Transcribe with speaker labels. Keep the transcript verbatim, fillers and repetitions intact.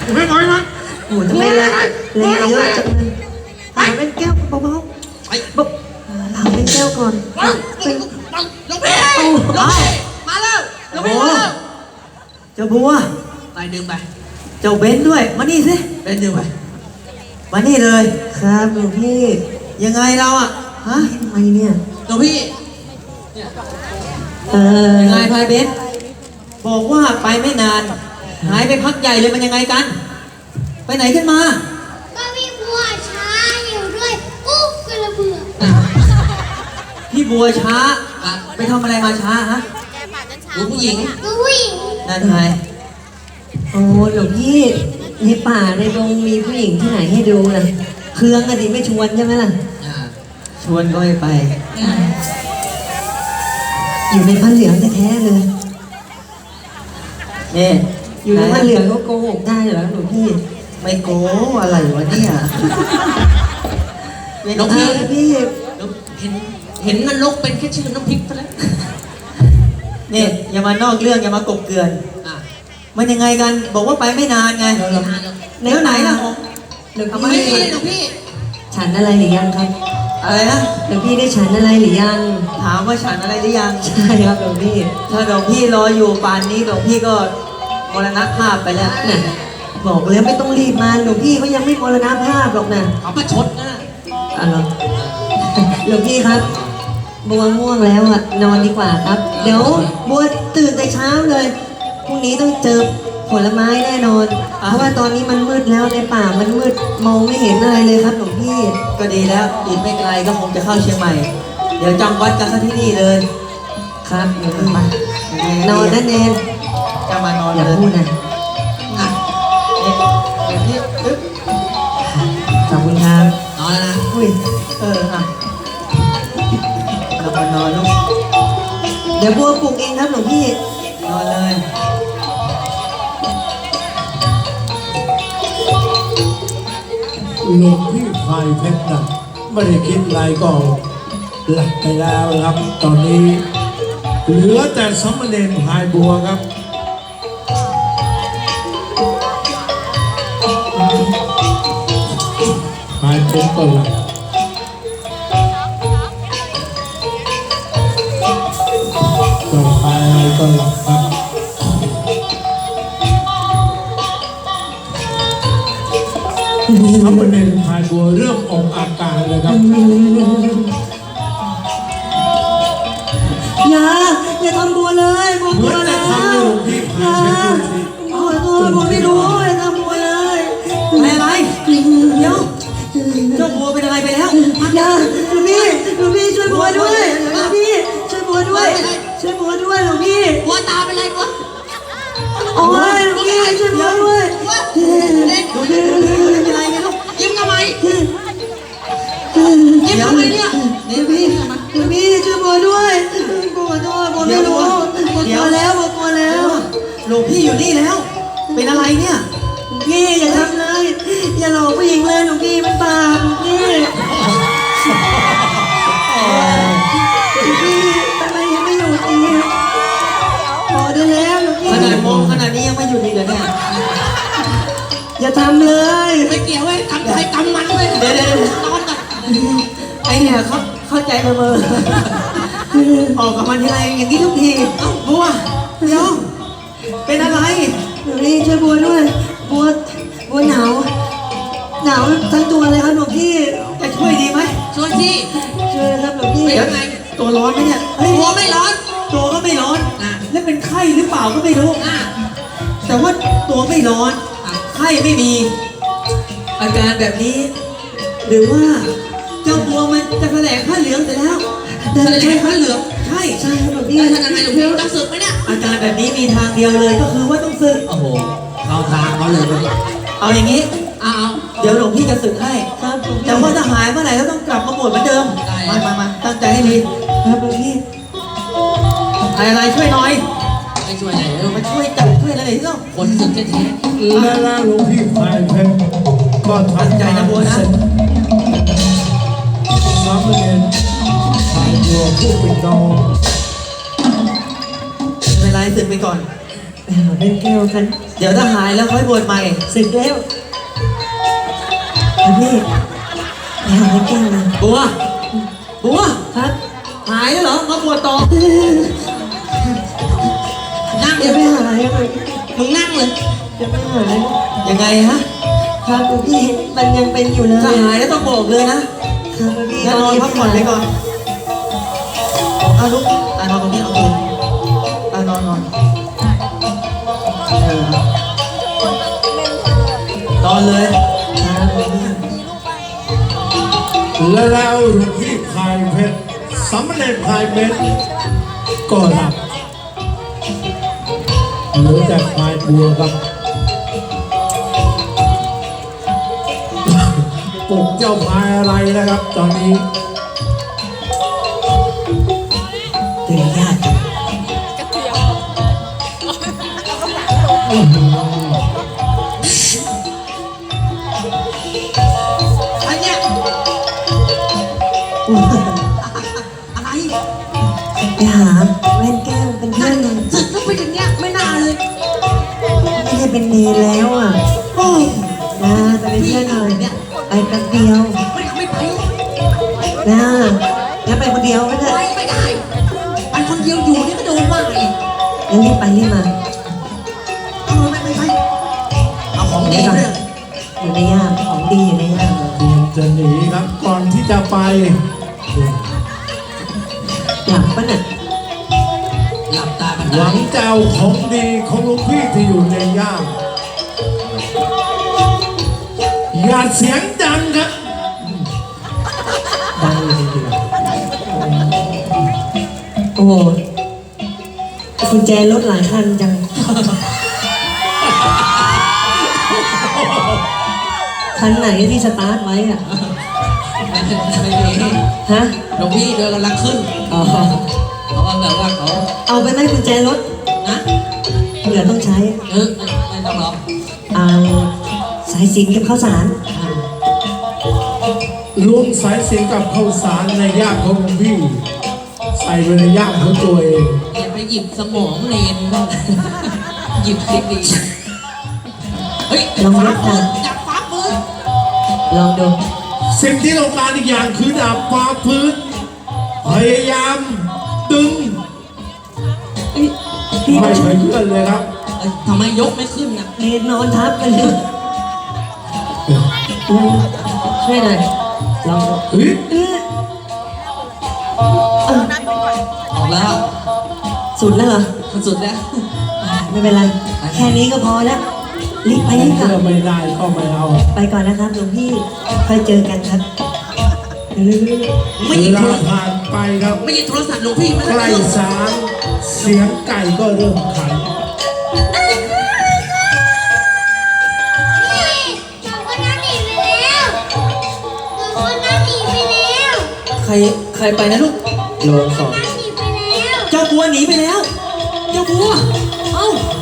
Speaker 1: ไม่น้อยนะ
Speaker 2: โอ้ทำไมล่ะแรงเยอะจังเลยหาเป็นแก้วเบาๆ
Speaker 1: ไอ้
Speaker 2: บอกหาเป็นแก้วก่อน
Speaker 1: ว้าว
Speaker 2: เป็น
Speaker 1: ลงพี่ลงพี่มาแล้วลงพี่มาแล้ว
Speaker 2: เจ้าบัว
Speaker 1: ไปดึงไป
Speaker 2: เจ้าเบนด้วยมานี่สิ
Speaker 1: เป็นดึงไป
Speaker 2: มานี่เลยครับหลวงพี่ยังไงเราอ่ะฮะทำไมเนี่ย
Speaker 1: ลงพี่
Speaker 2: เออยังไงพายเบนบอกว่าไปไม่นานหายไปพักใหญ่เลยมันยังไงกัน ไปไหนขึ้นมา
Speaker 3: ก็มีบัวช้าอยู่ด้วยอุ๊บกระเบื่อ
Speaker 2: พี่บัวช้าไปทำอะไรมาช้าฮะ
Speaker 1: ดูผู้หญิง
Speaker 3: ดูผู้หญิง
Speaker 2: นั่นไงโอ้หลวงพี่ในป่าในดงมีผู้หญิงที่ไหนให้ดูล่ะเครื่องอะดิไม่ชวนใช่ไหมล่ะ
Speaker 1: อ่า
Speaker 2: ชวนก็ไม่ไป อยู่ในผ้าเหลืองแท้ๆเลยเนี่ยอยู่ในผ้าเหลืองก็โกหกได้เหรอหลวงพี่ ไม่โกอะไรวะเนี่ยน้องพี่พี่
Speaker 1: เห็นเห็นนรกเป็นแค่ชื่อน้ำพริกซะแล้ว
Speaker 2: เนี่ยอย่ามานอกเรื่องอย่ามากบเกลื่อน
Speaker 1: อ่ะ
Speaker 2: มันยังไงกันบอกว่าไปไม่นานไง
Speaker 1: เราเราเรา
Speaker 2: แล้วไหนล่ะหลวง
Speaker 1: ทำไม
Speaker 2: พี่
Speaker 1: ไม่เลยหลวงพี่
Speaker 2: ฉันอะไรหรือยังครับอะไรนะหลวงพี่ได้ฉันอะไรหรือยังถามว่าฉันอะไรหรือยังใช่ครับหลวงพี่ถ้าหลวงพี่รออยู่ป่านนี้หลวงพี่ก็มรณภาพไปแล้วน่ะบอกแล้วไม่ต้องรีบมาหลวงพี่เขายังไม่มรณภาพหรอกนะ
Speaker 1: เขามาชดนะ
Speaker 2: อะไรหลวงพี่ครับบัวง่วงแล้วอ่ะนอนดีกว่าครับ เดี๋ยวบัวตื่นแต่เช้าเลยพรุ่งนี้ต้องเจอผลไม้แน่นอนเพราะว่าตอนนี้มันมืดแล้วในป่ามันมืดมองไม่เห็นอะไรเลยครับหลวงพี่ก็ดีแล้วอีกไม่ไกลก็คงจะเข้าเชียงใหม่ เดี๋ยวจำวัดกันซะที่นี่เลยครับเดี๋ยวนอนนั่นเองจะมานอนอย่าพูดนะอ่ะเนี่ยเดี๋ยวพี่อึ๊บขอบคุณครับ
Speaker 1: นอนแล้วนะ
Speaker 2: อุ้ยเอออ่ะกลับมานอนลูกเดี๋ยวบัวปลุกเองครับหลวงพี่นอนเลย
Speaker 4: หลวงพี่พายเพชรนะไม่ได้คิดอะไรก็หลับไปแล้วครับ ตอนนี้เหลือแต่สมณเณรพายบัวครับพายเพชรก็หลับก็ไปก็หลับครับสมณเณรพายบัวเริ่มออกอาการเลยครับ
Speaker 2: อย่าอย่าทำบัวเลยบัว
Speaker 4: เหมื
Speaker 2: บั
Speaker 4: อ
Speaker 2: วน
Speaker 4: แต่
Speaker 2: นะ
Speaker 4: ทำให้หลวงพี่
Speaker 2: อย่า
Speaker 4: พายเพชรดูสิ
Speaker 2: ขอโทษบัวไม่รู้อย่าทำบัวเลยอะไรอะไรเดี๋ยวเจ้าบัวเป็นอะไรไปแล้วอย่าหลวงพี่หลวงพี่ช่วยบัวด้วยหลวงพี่ช่วยบัวด้วยช่วยบัวด้วยหลวงพี่
Speaker 1: หัวตาเป็นไรวะ
Speaker 2: โอ้ยหลวงพี่ช่วยบัวด้วยเล่นดูดิเป็นอะไรกันลูก
Speaker 1: ยิ้มทำไม
Speaker 2: ยิ้มทำไมเนี่ยเดี๋ยวพี่เดี๋ยวพี่ช่วยบัวด้วยบัวขอโทษบัวไม่รู้บัวกลัวแล้วบัวกลัวแล้วหลวงพี่อยู่นี่แล้ว เป็นอะไรเนี่ยหลวงพี่อย่าทำเลยอย่าหลอกผู้หญิงเลยหลวงพี่มันบาปหลวงพี่หลวงพี่ทำไมยังไม่หยุดอีกพอได้แล้วหลวงพี่ขนาดมองขนาดนี้ยังไม่หยุดอีกเหรอเนี่ยอย่าทำเลย
Speaker 1: ไม่เกี่ยวเว้ยกำไทยกำมันเว้ย
Speaker 2: เดี๋ยวเดี๋ยว
Speaker 1: นอนก่อน
Speaker 2: ไอเนี่ยเขาเข้าใจมาเมอออกกับมันทีไรอย่างนี้ทุกทีเอ้าบัวเดี๋ยวเป็นอะไรหลวงพี่ช่วยบัวด้วยบัวบัวหนาวหนาวทั้งตัวเลยครับหลวงพี่จะช่วยดีไหม
Speaker 1: ช่วยที่
Speaker 2: ช่วยครับหลวงพี่
Speaker 1: เป็นยังไง
Speaker 2: ตัวร้อนไหมเนี่ยเฮ้ย
Speaker 1: หัวไม่ร้อน
Speaker 2: ตัวก็ไม่ร้อน
Speaker 1: อ่ะ
Speaker 2: แล้วเป็นไข้หรือเปล่าก็ไม่รู้
Speaker 1: อ่ะ
Speaker 2: แต่ว่าตัวไม่ร้อนไข้ไม่มี อาการแบบนี้ หรือว่าเจ้าบัวมันจะแถลงผ้าเหลืองเสร็จแล้ว
Speaker 1: แสดงผ้าเหลือง
Speaker 2: ใช่ใช่ครับหลวงพี่
Speaker 1: แล้วทำยังไงหลวงพี่ต้องสึกไหมเนี่ย
Speaker 2: อาการแบบนี้มีทางเดียวเลยก็คือว่าต้องสึก
Speaker 1: โอ้โหเราทางเขาเลยเว้ย
Speaker 2: เอาอย่างนี้
Speaker 1: เอาเอา
Speaker 2: เดี๋ยวหลวงพี่จะสึกให้ครับแต่ว่าถ้าหายเมื่อไหร่ก็ต้องกลับมาบวชเหมือนเดิม
Speaker 1: ได้
Speaker 2: มามามาตั้งใจให้ดีครับหลวงพี่อะไรอะไรช่วยหน่อย
Speaker 1: ไม่ช่วยไหนเออ
Speaker 2: มาช่วยจับช่วยอะไรหน่อยสิเนาะ
Speaker 1: คนสึกแท้
Speaker 4: และแล้วหลวงพี่พายเพชรก็ทำ
Speaker 2: ตั้งใจนะบัวนะ
Speaker 4: เสร็จสามเณรพายบัวผู้เป็นน้อง
Speaker 2: ไม่เป็นไรสึกไปก่อนไปหาเป็นแก้วกัน
Speaker 1: เดี๋ยวถ้าหายแล้วค่อยบวชใหม่
Speaker 2: สึกแล้วหลวงพี่ไปหาเป็นแก้วนะ
Speaker 1: บัว บัว
Speaker 2: ครับ
Speaker 1: หายแล้วเหรอ มาบวชต่อ นั่งเล
Speaker 2: เดี๋ย
Speaker 1: ยว
Speaker 2: ไปหาเลยครับ
Speaker 1: มึงนั่งเลย
Speaker 2: เดี๋ยวไปหาเลย
Speaker 1: ยังไงฮะ
Speaker 2: ครับหลวงพี่มันยังเป็นอยู่เลย
Speaker 1: ถ้าหายแล้วต้องบอกเลยนะ
Speaker 2: ครับหลวงพี่
Speaker 1: งั้นนอนพักผ่อนไปก่อนเอาลุกอ่ะนอนตรงนี้เอาเลยอ่ะนอนนอนเออนอนเลย
Speaker 2: ครับหลวงพี่
Speaker 4: และแล้วหลวงพี่พายเพชรสำเร็จพายเพชรก็หลับเหลือแต่พายบัวครับปลุกเจ้าพายอะไรนะครับ ตอนนี้
Speaker 2: ตื่นยากจัง
Speaker 1: อันเนี้ย
Speaker 2: อุ๊ย
Speaker 1: อะไร
Speaker 2: ไปหาแว่นแก้วเป็นเพื่
Speaker 1: นั่
Speaker 2: อน นหน่อย
Speaker 1: สึกก็ไปอย่างเงี้ยไม่น่าเลย
Speaker 2: ไม่ได้เป็นเนรแล้วอ่ะ
Speaker 1: โอ้ย
Speaker 2: นะไปเป็นเพื่อนหน่อยไปแป๊บเดียว
Speaker 1: ไม่ไม่ไป
Speaker 2: นะงั้นไปคนเดียวก็ได้
Speaker 1: ไปไม่ได้ไปคนเดียวอยู่นี่ก็โดนว่าอีก
Speaker 2: งั้นรีบไปรีบมา
Speaker 1: เออไม่ไม่ไปเอาของดีด้วย
Speaker 2: อยู่ในย่ามของดีอยู่ในย่าม
Speaker 4: เตรียมจะหนีครับ ก่อนที่จะไป
Speaker 2: หลับปะน่ะ
Speaker 1: หลับตากัน
Speaker 4: หวั
Speaker 1: ได้
Speaker 4: งจะเอาของดีของหลวงพี่ที่อยู่ในย่ามอย่าเสียงดังครับ
Speaker 2: ดังเลยทีเดียวโอ้โหกุญแจรถหลายคันจัง คันไหนที่สตาร์ทไว้อ่ะ
Speaker 1: ไม่มี
Speaker 2: ฮะ
Speaker 1: หลวงพี่เดินกำลังขึ้น
Speaker 2: อ๋อ
Speaker 1: เขาก็แบบว่าเขา
Speaker 2: เอาไปไหมกุญแจรถ
Speaker 1: นะ
Speaker 2: เผื่อต้องใช้
Speaker 1: เออไม่ไม่ต้องหรอก
Speaker 2: เอาสายสิญจนกับข้าวสาร
Speaker 4: รวมสายเสียงกับข้าวสารในย่ามของหลวงพี่ ใส่ไว้ในย่ามของตัวเอง
Speaker 1: อย่าไปหยิบสมองเนนบ้างหยิบสิดีเฮ้ย
Speaker 2: ลองย
Speaker 1: ฟ้าก ปื
Speaker 2: กัน
Speaker 1: นจับฟ้าปืน
Speaker 2: ลองดู
Speaker 4: สิ่งที่ต้องการอีกอย่างคือดาบฟ้าพื้น พยายามดึง
Speaker 2: พี่
Speaker 4: ไม่เคยเลื่อนเลยครับ
Speaker 1: เอ้ยทำไมยกไม่ขึ้นนะ
Speaker 2: เนนนอนทับกันเลยช่วยหน่อยลองดู
Speaker 4: เฮ้ย
Speaker 2: เออเออ
Speaker 1: ออกแล้ว
Speaker 2: สุดแล้วเหรอ
Speaker 1: สุดแล้ว
Speaker 2: ไม่เป็นไร แค่นี้ก็พอแล้ว รีบไปรีบกลั
Speaker 4: เชื่อบ ไม่ได้ก็ไม่เอา
Speaker 2: ไปก่อนนะครับหลวงพี่ค่อยเจอกันครับเรื่อย
Speaker 1: ไม่
Speaker 4: เว
Speaker 1: หยิบโท
Speaker 4: ลาร
Speaker 1: ศัพท์
Speaker 4: ผ่านไปครับ
Speaker 1: ไม่หยิบโทรศัพท์หลวงพี่ไม่
Speaker 4: ใก
Speaker 1: ได้
Speaker 4: ล้
Speaker 1: เรื่อง
Speaker 4: สามเสียงไก่ก็เริ่มขัน
Speaker 3: นี่สองคนนั้นหนีไปแล้วสองคนนั้นหนีไปแล้ว
Speaker 1: ใครใครไปนะลูก
Speaker 2: ๆโยนสอง
Speaker 3: หนีไปแล้ว
Speaker 1: เจ้าบัวหนีไปแล้ว เจ้าบัว เอ้า